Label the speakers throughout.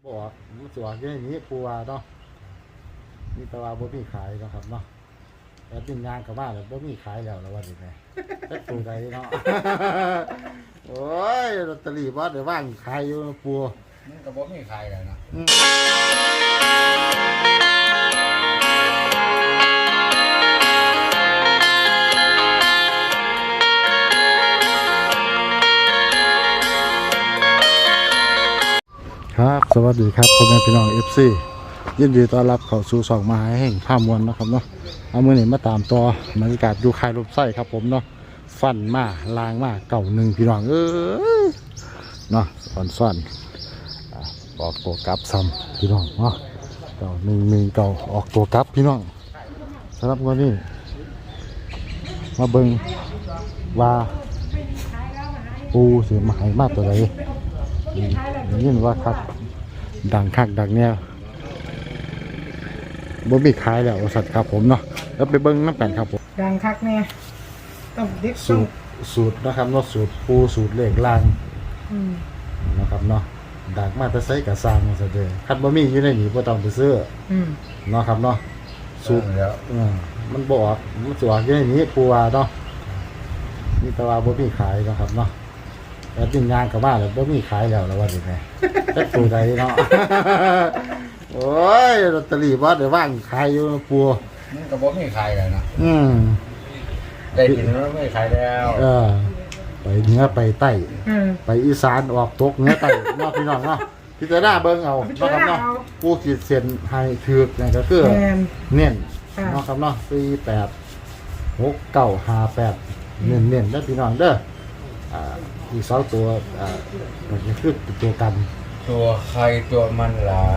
Speaker 1: บอกมันสวยอย่างนี้ปูว่าเนาะนี่แต่ว่าบ่มีขายเนาะครับเนาะแต่เป็นงานกับบ้านแล้วบ่มีขายแล้วว่าดิแม่แต่ปูใดเนาะ โอ้ยลอตเตอรี่บ่ได้ว่างขายอยู่ปู
Speaker 2: มันก็บ่มีขายแล้วนะครับ
Speaker 1: สวัสดีครับพ่อแม่พี่น้อง FC ยินดีต้อนรับเข้าสู่ช่องมหาแห่งภาพมวลนะครับเนาะเอามื้อนี้มาตามต่อบรรยากาศอยู่ค่ายรถไฟครับผมเนาะฟันมาลางมาเก่าหนึ่งพี่น้องเนาะซ่อนออกตัวกลับซ้ำพี่น้องเนาะเก่าหนึ่งเก่าออกตัวกลับพี่น้องสำหรับวันนี้มาเบิ่งว่าปูสิมาให้มาตัวใดยินว่าครับดังคักดังเนี่ยบ่มีขายแล้วสัตว์ครับผมเนาะแล้วไปเบิ้งน้ำกันครับผม
Speaker 3: ดังคักเนี่ยต้องเด็ก
Speaker 1: สูตรนะครับเนาะสูตรปูสูตรเลขล่างนะครับเนาะดังมาแต่ใส่กระซังซะเด้อคันบ่มีอยู่ในนี้บ่ต้องไปซื้อเนาะครับเนาะสูตร
Speaker 2: แล้ว
Speaker 1: มันบอกมันสวยอยู่ในนี้ปูว่าเนาะนี่แต่ว่าบ่มีขายนะครับเนาะแต่เป็นงานกับบ้านแล้วบ่มีขายแล้วว่าดิแม่แต่ปูใดเนาะ โอ้ยลอตเตอรี่บ่ได้ว่างขายอยู่ปู
Speaker 2: มันก็บ่มีขายแล้วนะได้กินแล้วไม่ขายแล้ว
Speaker 1: ไปเหนือไปใต้ไปอีสานออกตกเหนือใต้เนาะพี่น้องเนาะพิจารณาเบิ่งเอาเนาะครับเนาะปูขีดเส้นให้ถูกนั่นก็คือเน้นเนาะครับเนาะ48 6958เน้นๆเด้อพี่น้องเด้ออีก2ตัวมันก็คือตัวกัน
Speaker 2: ตัวใครตัวมันล่ะ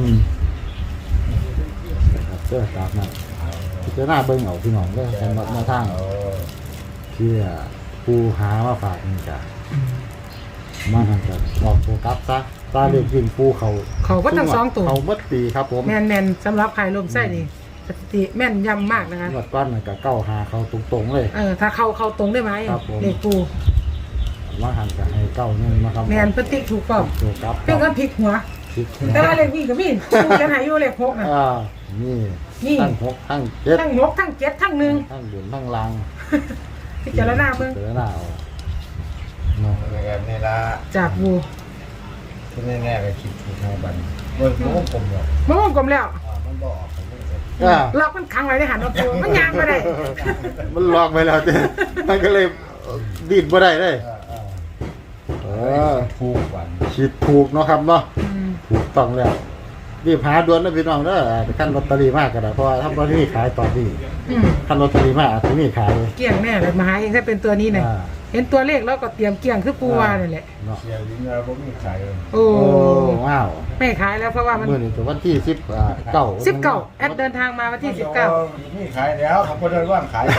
Speaker 1: นะครับเสื้อตามนั้นพิจารณาเบิ่งเอาพี่น้องเด้อสำหรับแนวทางที่ปูหามาฝากนี่จ้ะมาทางกันบอกโฟกัสซะตาเล็กวิ่งปูเขา
Speaker 3: ก็ทั้ง2ตัว
Speaker 1: เขาบัดปีครับผม
Speaker 3: แม่นๆสำหรับใครลมไส้นี่สถิติแม่นยำมากนะคะ
Speaker 1: วัดปั้นกับเก้าหาเขาตรงๆเลย
Speaker 3: ถ้าเข้าตรงได้ไหมเด็กปู
Speaker 1: มาหันกับให้เก้านี่นะครับ
Speaker 3: แม่นพฤติถูกต้องเพิ่งก็พลิกหัวแต่ว่าเล็กวิ่งกับวิ่งกันหายอยู่เล็ก6นะ
Speaker 1: นี่ทั้ง6ทั้ง7
Speaker 3: ทั้ง6ทั้ง7ทั้ง1
Speaker 1: ทั้งบุญทั้งลัง
Speaker 3: พิจารณาเบิ่ง
Speaker 1: พิจารณาเอา
Speaker 2: เนาะแบบนี้ละ
Speaker 3: จากบู
Speaker 2: ที่แน่ๆก็คิดถูกทางบันมันวงกลมแล้วมันบ่ออก
Speaker 3: ล็อกมันขังไว้ในหันตัวมันยางไม่ได้
Speaker 1: มันล็อกไปแล้วมันก็เลยดิ้นบ่ได้เลย
Speaker 2: ถูกวัน
Speaker 1: คิดถูกเนาะครับเนาะถูกต้องแล้วรีบหาด่วนนะพี่น้องเด้อขั้นลอตเตอรี่มากก็ได้เพราะว่าถ้าลอตเตอรี่ขายตอนนี้ขั้นลอตเตอรี่มากอาจจะมีขาย
Speaker 3: เกี่ยงแน่เลยมาหาเองถ้าเป็นตัวนี้เนี่ยเห็นตัวเลขแล้วก็เตรียมเกี่ยงคือปูวานี่แหละ
Speaker 2: เสียลิ้นแล้วก็ไม่ขายเลย
Speaker 3: โอ้
Speaker 1: ว้าว
Speaker 3: ไม่ขายแล้วเพราะว่ามัน
Speaker 1: เมื่อนี้ถึงวันที่
Speaker 3: 19แอดเดินทางมาวันที่19
Speaker 2: ไม่ขายแล้วเขาก็เดินว่างขาย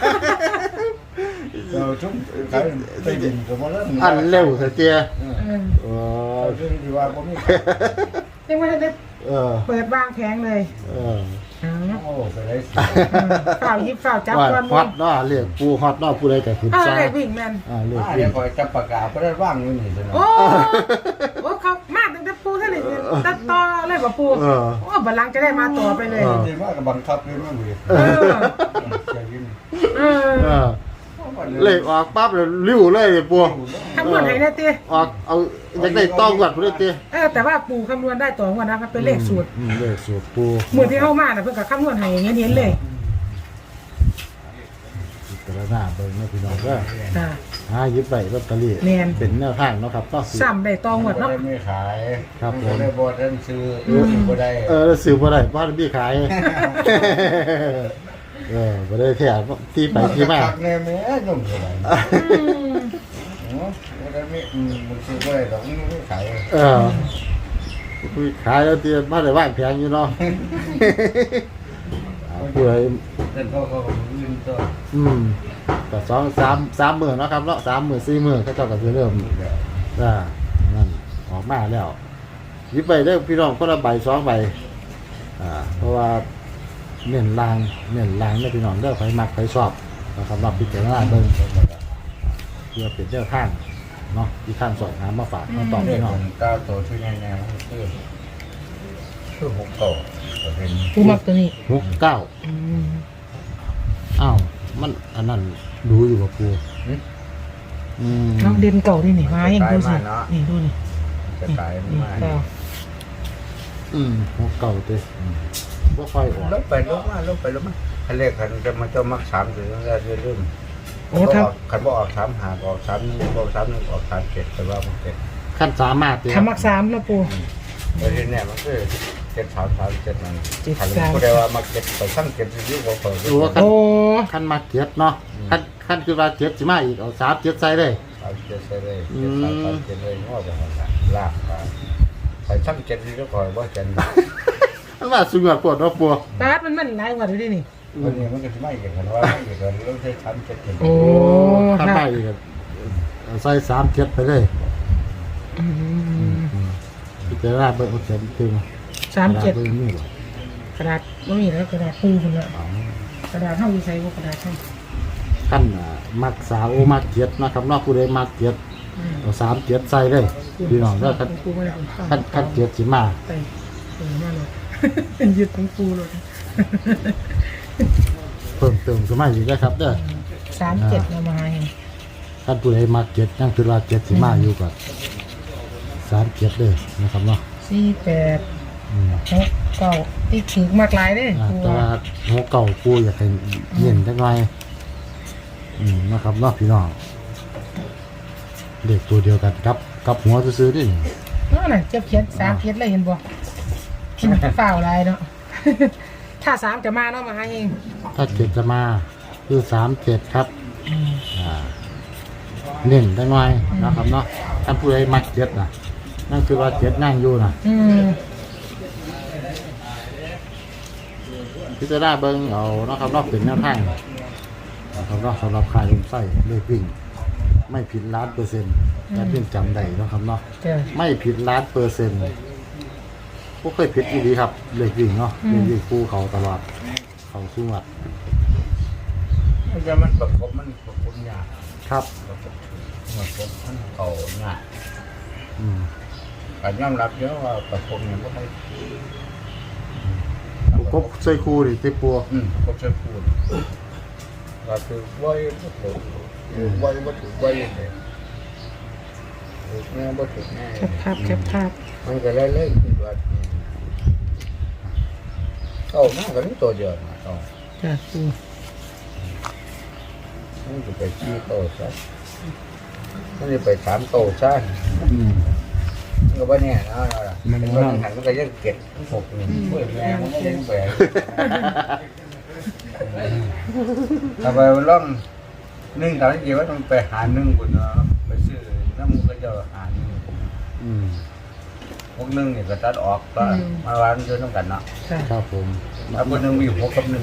Speaker 2: เราชุ่มขายไปดินกับมันเริ่ม
Speaker 1: อันเร็วเสียเจีย
Speaker 2: เรื่องที่ว่าผมไม่
Speaker 3: ยังไม่ได้เปิดวางแผงเลย
Speaker 2: โอ้ไปได้
Speaker 3: ฝ่าวยิบฝ่าวจับก้อน
Speaker 1: ฮอตเนาะเรียกปูฮอตเนาะปูได้แต่ขึ้น
Speaker 3: ซ่าเรียกวิ่งแมน
Speaker 1: เรียก
Speaker 2: วิ่งคอยจับปากกาก็ได้ว่างอยู่นี่ใช่ไหม
Speaker 3: โอ้เขามากตั้งแต่ปูเท่าไหร่ตัดต่อเลยป่ะปูโอ้บัลลังจะได้มาต่อไปเลย
Speaker 2: ดีมากกับบังคับเลยมั้งเลย
Speaker 1: เลขออกปั๊บเลยริ้วเลยปู
Speaker 3: คำนวณให้ได้ตี
Speaker 1: ออกเอาอยากได้ต้องก่อนพูดได้ตี
Speaker 3: แต่ว่าปูคำนวณได้ต่อวันนะมันเป็นเลขสูตร
Speaker 1: เลขสูตรปู
Speaker 3: เหมือนที่เข้ามาเพื่อกับคำนวณให้อย่างเงี้ยเลย
Speaker 1: กระดาษเบิ่งนะพี่น้องก็ยึดใบลอตเตอรี่เป็นแนวทางเนาะครับก็
Speaker 3: ซ้ำได้ตองหมดเนาะ
Speaker 2: ไม่ขาย
Speaker 1: ครับผม
Speaker 2: ได้บอท่านซื้อบ่ได้
Speaker 1: ซื้อบ่ได้บ้านพี่ขายบ่ได้แท้ที่ไปที่มา
Speaker 2: แน่แม่ยมสบายบ่ได้ไม่มันซื้อบ่ได้ดอกไม่ขาย
Speaker 1: ขายแล้วที่มาได้ว่างแพงอยู่เนาะเพื่อ
Speaker 2: แต่ก็ยืนตัว
Speaker 1: แต่3 มื้อเนาะครับเนาะ3 มื้อ4 มื้อเขาเจ้าก็สิเริ่มนั่นออกมาแล้วหยิบไปได้พี่น้องคนละใบ2 ใบเพราะว่าเน้นลางนะพี่น้องเด้อไฟมักไฟชอบนะครับรับพิจารณาเบิ่งเพื่อเป็นเจ้าข้างเนาะที่ข้างสอนหามาฝากมาตอบพี่น้อง
Speaker 2: ก้าวโตช่วยแน่ๆคือหกเก้าก็เป็น
Speaker 3: ปูมักตัวนี้
Speaker 1: 69
Speaker 3: อืม
Speaker 1: อ้าวมันอันนั้นดูอยู่บ่ปูอืม
Speaker 3: น้องเด่นเก่าดินี่มาอย่างดูสินี่ดูนี่
Speaker 2: จะกลาย
Speaker 3: นี่
Speaker 2: มา
Speaker 3: เก่า
Speaker 1: 69เด้บ่ค่อยออก
Speaker 2: ลบไปลบมาลบไปลบมาคันเลขคันจะมาเจ้ามัก3ถึงแล้วจะลืม
Speaker 3: โอ้ถ้า
Speaker 2: คันบ่ออก3หาออก3 1ออก3 1ออก3 7แต่ว่ามัน7
Speaker 1: ขั้นสามารถเด้
Speaker 3: ถ้ามักสามแล้วปู
Speaker 2: แต่ทีนี้มันคือ7 3 3 7นั่น
Speaker 3: 7
Speaker 2: คัน
Speaker 3: 3
Speaker 2: ผู้ใดว่ามัก7ไปทั้ง7อยู่บ่พอ
Speaker 1: ดูว่า
Speaker 3: โอ้
Speaker 1: ขั้นมาเก็บเนาะขั้นคือว่าเก็บสิมาอีกเอา3เก็บใส่เลย
Speaker 2: 3 7ใส่เลย7 3 3 7เลยงอไปหั่นล่ะลากไปทั้ง7อยู่ก็บ่7
Speaker 1: มันว่าสุดยอดปวดเนาะปู
Speaker 3: ปาดมันหลายกว่าดูดินี่
Speaker 2: วันนี้มันก็สิมาอีกกันว่าอีกกันเรื่องใช้3 7 7
Speaker 3: โอ้
Speaker 1: ถ้า
Speaker 3: ค่ะ
Speaker 1: ไปอีกก็เอาใส่3เก็บไปเลย
Speaker 3: อืม
Speaker 1: พิจารณาเบิ่งเอาเข็มตึง
Speaker 3: 37
Speaker 1: เบิ่งนี่บ่
Speaker 3: กระดาษไม่มีแล้วกระดาษปูคนละกระดาษเท่าอยู่ใส่พวกกระดาษเท่า
Speaker 1: ขั้นมักสาวมักเก็บนะครับเนอกผู้ใดมักเก็บเอา3เก็บใส่เลยพี่น้องเด้อขั้น
Speaker 3: ปูไม่ได้
Speaker 1: ขั้นเก็บสิมา
Speaker 3: ไปมาเลย เป็นยึดของปูเลย
Speaker 1: เพิ่มเติมขึ้นมาอีกนะครับเด้อ
Speaker 3: 37เรามาเอง
Speaker 1: ขั้นผู้ใดมักเก็บยังคือว่าเก็บสิมาอยู่ก่อน3เก็บเลยนะครับเนาะ
Speaker 3: 48
Speaker 1: อืม
Speaker 3: 6 9ที่ถือมากหลายเด้ปู
Speaker 1: แต่ว่าหัวเก่าปูอยากให้เน้นจักหน่อยนะครับเนาะพี่น้องเด็กตัวเดียวกันครับกับหัวซื้อๆนี่
Speaker 3: นั่นน่ะเจ็บเขียน3เขียนเลยเห็นบ่ฝ่าวลายเนาะ ถ้า3จะมาเนาะมาให้เอง
Speaker 1: ถ้าเจ็ดจะมาคือ37ครับเน้นจักหน่อยนะครับเนาะท่านผู้ใดมักเจ็ดน่ะนั่นคือว่าเจ็ดนั่งอยู่น่ะ
Speaker 3: อืม
Speaker 1: พิจารณาเบิ่งเอาเนาะครับเนาะเป็นแนวทางนะครับเนาะสำหรับขายลมไส้เลขวิ่งไม่ผิด1,000,000%แต่เพียงจำได้เนาะครับเนาะ
Speaker 3: จ้ะ
Speaker 1: ไม่ผิด1,000,000%บ่เคยผิดอีหลีครับเลขวิ่งเนาะเลขวิ่งคู่เขาตลอดเขาสู้วัด
Speaker 2: มันจะมันประกบมันประกบยาก
Speaker 1: ครับ
Speaker 2: ประกบมันเขายาก
Speaker 1: อืม
Speaker 2: การยอมรับเยอะว่าประกบเนี่ยบ่ค่อย
Speaker 1: กบใส่คู่ดิติปัว
Speaker 2: ประกบจะพูดว่าคือไว้บ่ถูกไว้บ่ถูกไว้เลยถูกแน่บ่ถูกแน่
Speaker 3: แคปภาพ
Speaker 2: มันก็เล่นๆคือว่าเข้ามาก็มีตัวเดียวนะต้อง
Speaker 3: จ้ะปู
Speaker 2: มันจะไปชี้โตซะมันจะไป3โตซะ
Speaker 1: อืม
Speaker 2: มันก็บ่แน่นะล่ะ
Speaker 1: มัน
Speaker 2: มัน
Speaker 1: ว่า
Speaker 2: หันมันก็ยังเก็บ6นี่เว้ยแม่มันยังแปลกถ้าไปล่อง1ตอนนี้ว่าต้องไปหา1พุ่นเนาะไปซื้อน้ำมันก็จะหา1
Speaker 1: อืม
Speaker 2: พวก1นี่ก็ตัดออกก็มาวางอยู่นำกันเนาะ
Speaker 3: ค่ะ
Speaker 1: ครับผม
Speaker 2: ถ้าพวก1มี6กับ1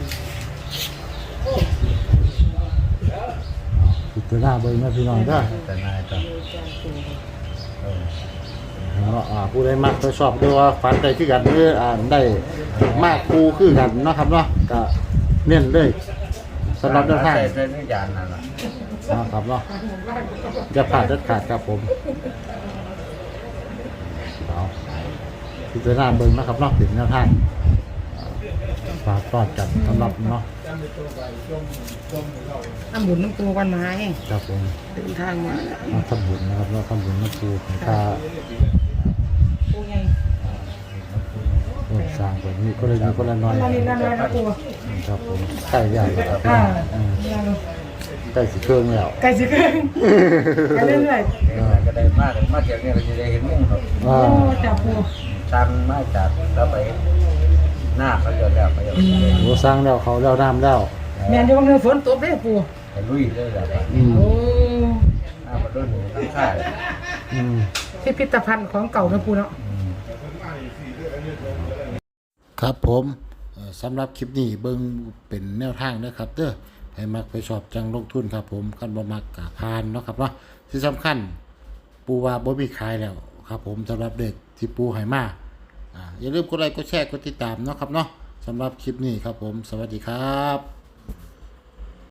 Speaker 1: พิจารณาเบิ่งนะพี่น้องเด้อ
Speaker 2: แต่นายต้อง
Speaker 1: เนาะผู้ใดมักไปชอบด้วยว่าฝันได้คือกันหรือได้มากคู่คือกันเนาะครับเนาะก็เน้นเลยสำหรับแนวทาง
Speaker 2: ใส่ในยานนั่นล่ะ
Speaker 1: นะครับเนาะอย่าผ่านเด็ดขาดครับผมเอาพิจารณาเบิ่งนะครับเนาะเป็นแนวทางฝากตอดกันสำหรับเนาะ
Speaker 3: น้ำบุญน้ำปูกันมาเอง
Speaker 1: ครับผม
Speaker 3: เดินทางมา
Speaker 1: ทำบุญนะครับเนาะทำบุญน้ำปูให้ตา
Speaker 3: ปูไง
Speaker 1: สร้างแบบนี้ก็เลยมีคนละน้อย
Speaker 3: มาเรียนกันเลยนะปู
Speaker 1: ครับผมใกล้ใหญ่แล้วครับ ใกล้สิเครื่องแล้ว
Speaker 3: ไก่สิเกินไปเรื่อย
Speaker 2: ก็ได้มากมาเที่ยวเนี่ยเราจะได้เห็นมุ่งครับ
Speaker 3: ๆโอ้จับปู
Speaker 2: ช่างมาจากแล้วไปหน้าเขาจะแล้วเขาจะ
Speaker 1: โอ้สร้างแล้วเขาแล้วน้ำแล้ว
Speaker 3: แม่นอยู่บางเดือนฝนตกได้ปู
Speaker 2: ไปลุยเลยแหละ
Speaker 3: โอ้
Speaker 2: หน้ามาด้วยหนูทั้งค่าย
Speaker 3: พิพิธภัณฑ์ของเก่านะปูเนาะ
Speaker 1: ครับผมสำหรับคลิปนี้เบิ่งเป็นแนวทางนะครับเด้อให้มักไปชอบจังลงทุนครับผมคันบ่มักกะพานเนาะครับเนาะที่สำคัญปูว่าบ่มีขายแล้วครับผมสำหรับเด็กที่ปูให้มาอย่าลืมกดไลค์กดแชร์กดติดตามเนาะครับเนาะสำหรับคลิปนี้ครับผมสวัสดีครับ